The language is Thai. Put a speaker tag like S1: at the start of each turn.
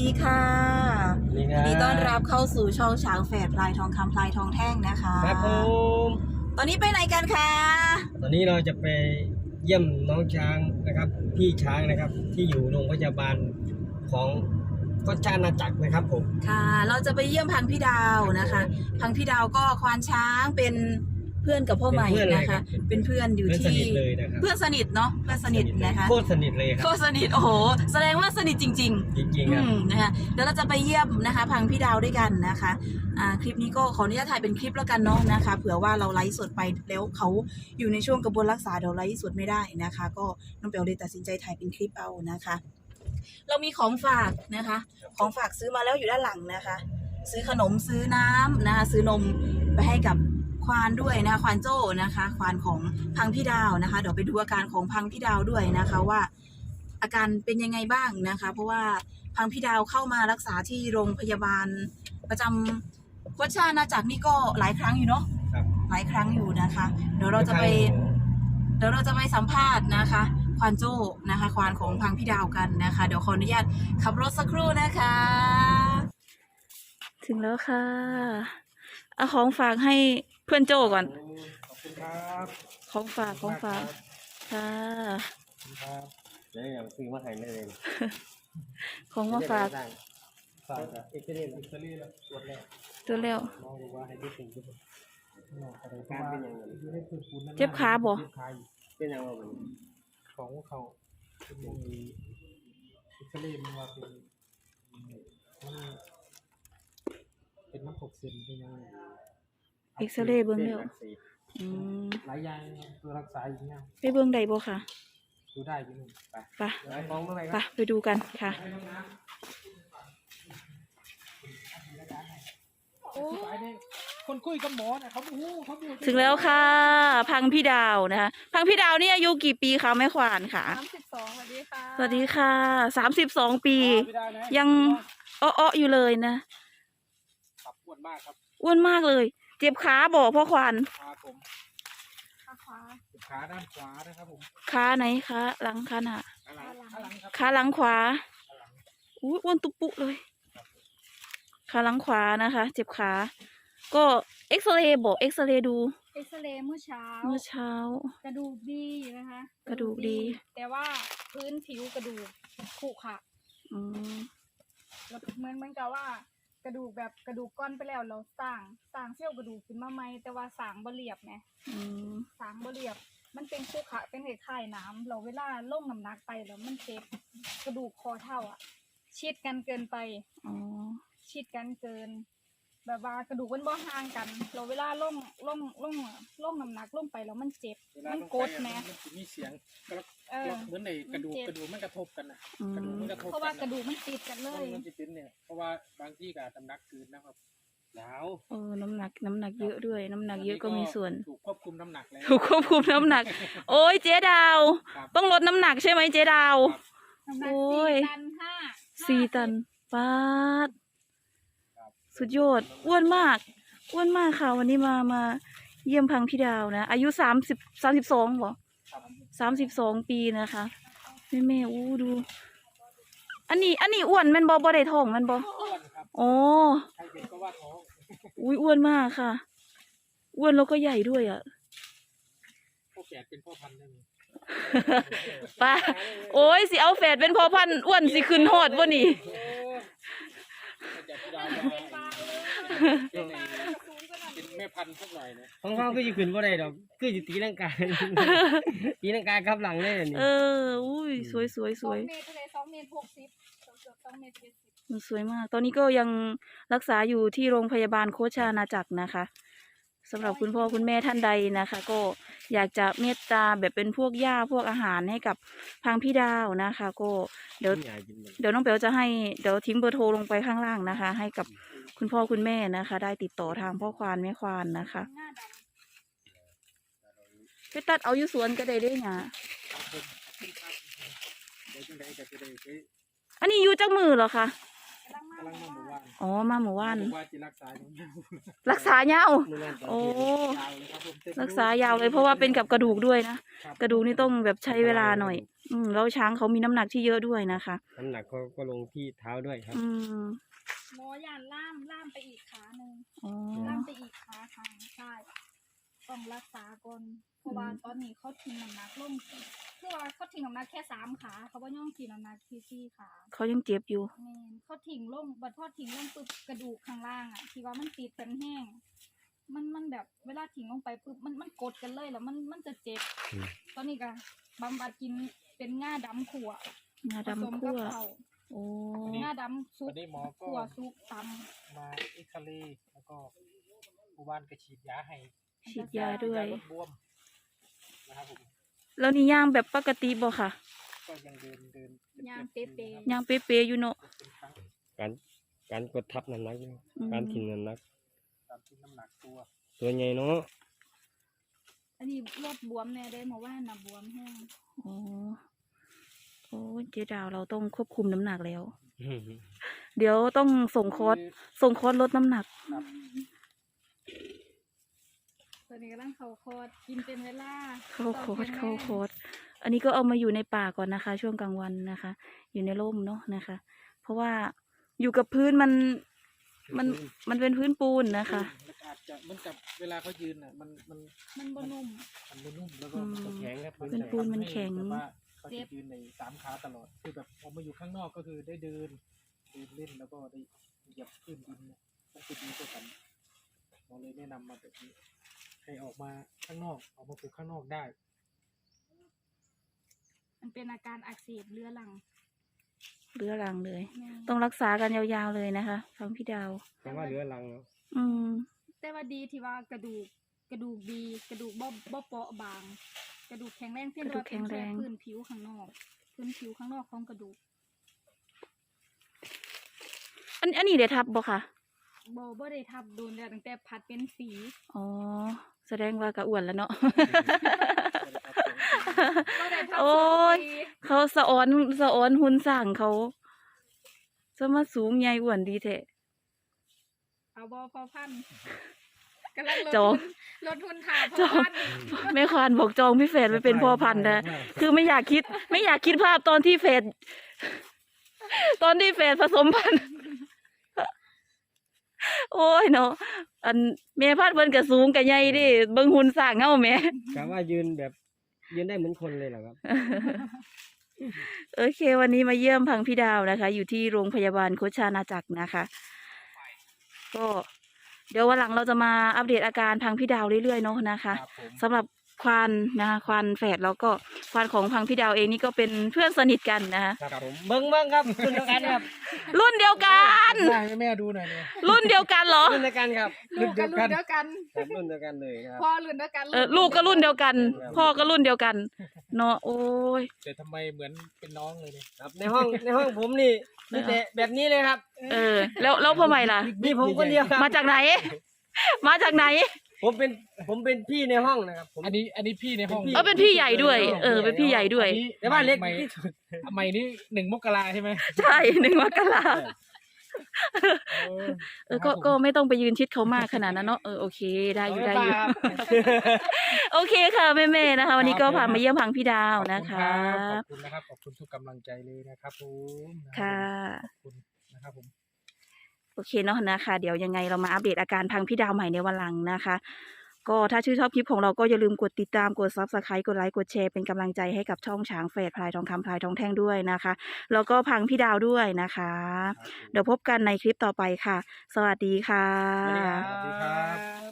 S1: ดีค่ะ
S2: ยิน
S1: ดีต้อนรับเข้าสู่ช่องช้างแฝดพลายทองคำพลายทองแท่งนะคะ
S2: ครับผม
S1: ตอนนี้ไปไหนกันคะ
S2: ตอนนี้เราจะไปเยี่ยมน้องช้างนะครับพี่ช้างนะครับที่อยู่โรงพยาบาลของก็ชาณาจักรนะครับผม
S1: ค่ะเราจะไปเยี่ยมพังพี่ดาวนะคะพังพี่ดาวก็ควานช้างเป็นเพื่อนกับพ่อใหม่นะคะเป็นเพื่อนอยู่ที่เพื่อนสนิทเนาะเพื่อนสนิทนะคะ
S2: โคตรสนิทเลยครับ
S1: โคตรสนิทโอ้โหแสดงว่าสนิทจริงๆ
S2: จริงๆครับ
S1: นะคะเดี๋ยวเราจะไปเยี่ยมนะคะพังพี่ดาวด้วยกันนะคะคลิปนี้ก็ขออนุญาตถ่ายเป็นคลิปแล้วกันเนาะนะคะเผื่อว่าเราไลฟ์สดไปแล้วเขาอยู่ในช่วงกระบวนรักษาเดี๋ยวไลฟ์สดไม่ได้นะคะก็น้องเปียวเลยตัดสินใจถ่ายเป็นคลิปเอานะคะเรามีของฝากนะคะของฝากซื้อมาแล้วอยู่ด้านหลังนะคะซื้อขนมซื้อน้ำนะคะซื้อนมไปให้กับควานด้วยนะควานโจ้นะคะควานของพังพี่ดาวนะคะเดี๋ยวไปดูอาการของพังพี่ดาวด้วยนะคะว่าอาการเป็นยังไงบ้างนะคะเพราะว่าพังพี่ดาวเข้ามารักษาที่โรงพยาบาลประจำโคชาณาจักรนี่ก็หลายครั้งอยู่เนาะหลายครั้งอยู่นะคะเดี๋ยวเราจะไปสัมภาษณ์นะคะควานโจ้นะคะควานของพังพี่ดาวกันนะคะเดี๋ยวขออนุญาตขับรถสักครู่นะคะถึงแล้วค่ะเอาของฝากให้เพื่อนโจ้ก่อน
S2: ขอบคุณครับ
S1: ของฝากค่ะ
S2: ครับเดี๋ยวอย่างซื้อมาให้เลย
S1: ของมาฝาก
S2: เอ็กซ์เรย์แล้ว
S1: ตัวเร็ว
S2: มองดูว่าให้ได้ถึงจุดการเป็นอย่างไร
S1: เจ็บขาบ่
S2: เป็นอย่างไร
S3: ของเขาเป็นอย่างนี้เอ็กซเรย์มันว่าเป็นน้ำหกเซนเป็นยังไง
S1: เอ็กซเรย์เบื้องเร็ว
S3: หลายอย่างตัวรักษาอย่างเงี้ย
S1: ไปเบื้องใดบ่ค่ะ
S3: ดูได้อยู่นี่
S1: ไปดูกันค่ะ
S3: คนคุยกับหมอนะเขา
S1: ถึงแล้วค่ะพังพี่ดาวนะคะพังพี่ดาวนี่อายุกี่ปีคะแม่ขวานค่ะ
S4: 32สวัสดีค่ะ
S1: สวัสดีค่ะ32 ปียังอ้ออยู่เลยนะ
S3: อ้วนมากครับ
S1: อ้วนมากเลยเจ็บขาบอกพ่อควาน
S3: ขาด้านขวานะครับผม
S1: ขาไหนคะหลังขาหน้าขาหลังขวาอ้วนตุปุเลยขาหลังขวานะคะเจ็บขาก็เอ็กซเรย์บอกเอ็กซเรย์ดู
S4: เอ็กซเรย์เมื่อเช้ากระดูกดีนะคะ
S1: กระดูกดี
S4: แต่ว่าพื้นผิวกระดูกขรุขระแล้วเหมือนกับว่ากระดูกแบบกระดูกก้อนไปแล้วเราสร้างเซี่ยวกระดูกขึ้นมาใหม่แต่ว่าสร้างบ่เรียบไงสร้างบ่เรียบมันเป็นขรุขระเป็นคล้ายๆน้ำเราเวลาลงน้ำหนักไปแล้วมันเจ็บกระดูกคอเท่าชิดกันเกินไปชิดกันเกินแบบว่ากระดูกมันบ่ห่างกันเราเวลาลงน้ำหนักลงไปแล้วมันเจ็บมันกดแม่
S3: มันมีเสียงเหมือนในกระดูกมันกระทบกันนะกระดูกมันกระทบ
S4: เพราะว่ากระดูกมันติดกันเลย
S3: มันติดเนี่ยเพราะว่าบางที่กับน้ำหนักเกินนะครับแล้ว
S1: น้ำหนักเยอะด้วยน้ำหนักเยอะก็มีส่วน
S3: ถูกควบคุมน้ำหนักแล้ว
S1: ถูกควบคุมน้ำหนักโอ้ยเจ๊ดาวต้องลดน้ำหนักใช่ไหมเจ๊ดาว
S4: โอ้ย
S1: 4 ตันปาดสุดยอดอ้วนมากค่ะวันนี้มาเยี่ยมพังพี่ดาวนะอายุ32บ่32 ปีนะคะแม่ดูอันนี้อ้วนมันบ่ได้ท้องมันบ่โอ้อ้วนมากค่ะอ้วนแล้วก็ใหญ่ด้วยอ่ะ
S3: พ่อแฝดเป็นพ่อพันธุ์ได้ไหม
S1: ป้าโอ้ยสิเอาแฝดเป็นพ่อพันธุ์อ้วนสิขึ้นฮอดบ่นี่
S3: เป็นแม่พันธุ์สักหน่อยนะ
S2: ของเขาก็จะขึ้นว่าไรดอกคือจะตีร่างกายครับหลังเลยนี่
S1: อุ้ยสวย
S4: 2 เมตรเลย2 เมตร 60 2 เมตร 70
S1: สวยมากตอนนี้ก็ยังรักษาอยู่ที่โรงพยาบาลโคชาณาจักรนะคะสำหรับคุณพ่อคุณแม่ท่านใดนะคะก็อยากจะเมตตาแบบเป็นพวกหญ้าพวกอาหารให้กับพังพี่ดาวนะคะก็เดี๋ยวน้องเปียวจะให้เดี๋ยวทิ้งเบอร์โทรลงไปข้างล่างนะคะให้กับคุณพ่อคุณแม่นะคะได้ติดต่อทางพ่อควานแม่ควานนะคะไปตัดเอาอยู่สวนก็ได้ด้วยนะอันนี้อยู่จักมือเหรอคะ
S3: กำลังมาหมู่บ้าน
S1: อ๋อมาหมู่บ้าน
S3: ผมว่าจะรักษาอย่างเดียว
S1: รักษายาว
S2: เมื่อนั้นตอน
S1: โอ้
S2: ที่
S3: ยาวเลยครับผมเต็ม
S1: รักษายาวเลยเพราะว่าเป็นกับกระดูกด้วยนะ
S3: ครับ
S1: กระดูกนี่ต้องแบบใช้เวลาหน่อย แล้วช้างเขามีน้ำหนักที่เยอะด้วยนะคะ
S2: น้ำหนักก็ลงที่เท้าด้วยครับ
S1: อืม
S4: หมอยานล่ามไปอีกขาหนึ่ง
S1: อ๋อ
S4: ล่ามไปอีกขาทางใช่ต้องรักษาก่อนเพราะว่าตอนนี้เขาทิ้งน้ำหนักลงคือว่าเขาทิ้งน้ำหนักแค่3 ขาเขาบ่ย่องทิ้งน้ำหนักที่4 ขา
S1: เขายังเจ็บอยู่
S4: แม่นเขาทิ้งลงบัดพอทิ้งลงปุ๊บกระดูกข้างล่างอ่ะที่ว่ามันติดกันแห้งมันแบบเวลาทิ้งลงไปปุ๊บมันกดกันเลยแล้วมันจะเจ็บ
S2: อืม
S4: ตอนนี้ก็บำบัดกินเป็นง่าดำขั่ว
S1: งา
S4: ผสม
S1: ดำ
S4: กั
S1: คั่
S4: บ
S1: ว
S4: เขา
S1: โอ้
S4: ง่าดำซุ
S3: วั
S4: ป
S3: นนี้หมอก็
S4: ขั่วซุปต
S3: มาเอ็กซเรย์แล้วก็หมู่บ้านก็ฉีดยาให้
S1: ฉีดยาด้วย
S3: ลดบวมนะครับผม
S1: แล้วนี่ย่างแบบปกติบ่ค่ะ
S3: ก็ยังเดิน
S4: ำย่างเป๊ะ
S1: ย่างเป๊ะๆอยู่เนาะ
S3: เป็นครั้ง
S2: การกดทับน้ำหนักเนี่ย
S1: อืม
S2: การทิ้งน้ำหนัก
S3: ตามที่น้ำหนักตัว
S2: ตัวใหญ่เนาะ
S4: ๆอันนี้ลดบวมแน่ได้มาว่าน่ะบวมแห้ง
S1: อ๋อโอ้เจ๊ดาวเราต้องควบคุมน้ำหนักแล้ว เดี๋ยวต้องส่งคอร์สลดน้ำหนัก
S4: ตอนนี้กำลังเขาคอดกินเป็นเวลา
S1: เข้าคอร์ส
S4: ตนย็น
S1: เข้าคอร์สอันนี้ก็เอามาอยู่ในป่าก่อนนะคะ ช่วงกลางวันนะคะ อยู่ในร่มเนาะนะคะ เพราะว่าอยู่กับพื้นมันเป็นพื้นปูนนะคะ
S3: แล้วอาจจะเหมันกับเวลาเขายืนอ่ะมัน
S4: มันบนุ่ม
S3: มันไม่นุ่มแล้วก็
S1: อืม
S3: มันจะ
S2: แข็งครับ
S1: เป็นปูนมันแข็ง
S3: แบบว่าเขาจะยืนใน3 ขาตลอดคือแบบพอมาอยู่ข้างนอกก็คือได้เดินเล่นแล้วก็ได้เหยียบพื้นดินเนี่ยมันจะดีกว่ากันหมอเลยแนะนำมาแบบนี้ให้ออกมาข้างนอกออกมาปลูกข้างนอกได้
S4: มันเป็นอาการอักเสบเรื้อรัง
S1: เรื้อรังเลย
S4: แม่
S1: ต้องรักษากันยาวๆเลยนะคะฟังพี่ดาว
S2: แต่ว่าเหลือรังเนาะ
S1: อืม
S4: แต่ว่าดีที่ว่ากระดูกดีกระดูกบ่เปราะบาง กระดูกแข็งแรงเพียงแต่ว่าเป็นแค่พื้นผิวข้างนอกพื้นผิวข้างนอกของกระดูก
S1: อันนี้เดี๋ยวทับบ่ค่ะ
S4: บ่ได้ทับโดนแล้วตั้งแต่พัดเป็นฝี
S1: อ๋อ แสดงว่ากระอ้วนแล้วเนาะ
S4: บ่ได้ทับ
S1: โอ้ย
S4: ฝี
S1: เขาสะออนหุ่นสร้างเขาจะมาสูงใหญ่อ้วนดีแท้
S4: เอาบ่พอพันกำลัง
S1: จอง
S4: ลดทุนถ่าพ
S1: จ
S4: อ
S1: อง
S4: พัน
S1: แม่ควานบอกจองพี่เฟดไปเป็นพ่อพันธุ์นะคือไม่อยากคิดภาพตอนที่เฟดผสมพันธุ์ โอ้ยเนาะอันแม่พันธุ์เพิ่นก็สูงก็ใหญ่เดิเบิ่งหุ่นสร้างเฮาแหม่
S2: กะว่ายืนได้เหมือนคนเลยเหรอครับ
S1: โอเค วันนี้มาเยี่ยมพังพี่ดาวนะคะ อยู่ที่โรงพยาบาลโคชานาจักรนะคะ ก็เดี๋ยววันหลังเราจะมาอัปเดตอาการพังพี่ดาวเรื่อยๆเนาะนะคะ
S3: ครับผม
S1: สำหรับควานนะคะควานแฝดแล้วก็ควานของพังพี่ดาวเองนี่ก็เป็นเพื่อนสนิทกันนะคะ
S2: ครับผมเบิ้งครับรุ่นเดียวกันครับ
S1: รุ่นเดียวกัน
S3: ได้ให้แม่ดูหน่อยเนี่ย
S1: รุ่นเดียวกันเหรอ
S2: รุ่นเดียวกันครับ
S4: ลูกกับรุ่นเดียวกัน
S2: ครับรุ่นเดียวกันเลยครับ
S4: พ่อรุ่นเดียวกัน
S1: ลูกก็รุ่นเดียวกัน พ่อก็รุ่นเดียวกันเนาะโอ้ย
S3: แต่ทำไมเหมือนเป็นน้องเลยเนี่ย
S2: ครับในห้องผมนี่มีแต่แบบนี้เลยครับ
S1: แล้วพ่อใหม่ล่ะ
S2: มีผมคนเดียวครับ
S1: มาจากไหน มาจากไหน
S2: ผมเป็นพี่ในห้องนะครับผม
S3: อันนี้พี่ในห้อง
S1: เป็นพี่ใหญ่ด้วย เป็นพี่ใหญ่ด้วย
S3: อันนี้
S2: แต่ว่าเล็ก
S3: ใหม่
S2: ที่สุด
S3: ใหม่นี่1 มกราใช่ไหม
S1: ใช่1 มกรา ก็ไม่ต้องไปยืนชิดเขามากขนาดนั้นเนาะโอเคได้อยู่
S2: ครับ
S1: โอเคค่ะแม่ๆนะคะ วันนี้ก็พามาเยี่ยมพังพี่ดาวนะคะ
S3: ขอบคุณนะครับขอบคุณทุกกำลังใจเลยนะครับผม
S1: ค่ะ
S3: ขอบคุณนะครับผม
S1: โอเคเนาะนะคะ เดี๋ยวยังไงเรามาอัปเดตอาการพังพี่ดาวใหม่ในวันหลังนะคะ ก็ถ้าชื่นชอบคลิปของเราก็อย่าลืมกดติดตามกด Subscribe กดไลค์กดแชร์เป็นกำลังใจให้กับช่องช้างเฟดพลายทองคำพลายทองแท่งด้วยนะคะ แล้วก็พังพี่ดาวด้วยนะคะ เดี๋ยวพบกันในคลิปต่อไปค่ะ สวัสดีค่ะ
S2: สวัสดีครับ